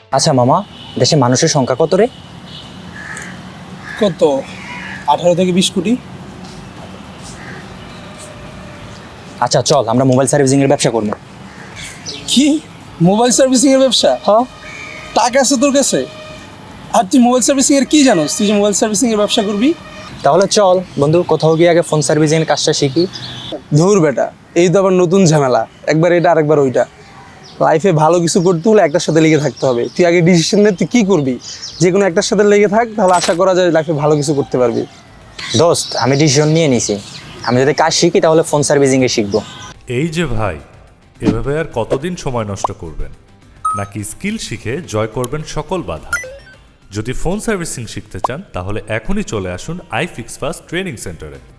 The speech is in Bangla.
আচ্ছা মামা, দেশে মানুষের সংখ্যা কত রে? কত? 18 থেকে 20 কোটি। আচ্ছা চল, আমরা মোবাইল সার্ভিসিং এর ব্যবসা করবো। কি? মোবাইল সার্ভিসিং এর ব্যবসা? হ্যাঁ। টাকা আছে তোর কাছে? আর তুই মোবাইল সার্ভিসিং এর কি জানোস? তুই যে মোবাইল সার্ভিসিং এর ব্যবসা করবি? তাহলে চল বন্ধু, কোথাও গিয়ে আগে ফোন সার্ভিসিং এর কাজটা শিখি। ধুর বেটা, এই তো আবার নতুন ঝামেলা, একবার এটা আরেকবার ওইটা। লাইফে ভালো কিছু করতে হলে একটার সাথে লেগে থাকতে হবে। তুই আগে ডিসিশন নে তুই কি করবি। যে কোনো একটার সাথে লেগে থাক, তাহলে আশা করা যায় লাইফে ভালো কিছু করতে পারবি। দোস্ত, আমি ডিসিশন নিয়ে নিছি, আমি যদি কাজ শিখি তাহলে ফোন সার্ভিসিং এ শিখবো। এই যে ভাই, এভাবে আর কতদিন সময় নষ্ট করবেন? নাকি স্কিল শিখে জয় করবেন সকল বাধা? যদি ফোন সার্ভিসিং শিখতে চান তাহলে এখনই চলে আসুন আইফিক্স ফাস্ট ট্রেনিং সেন্টারে।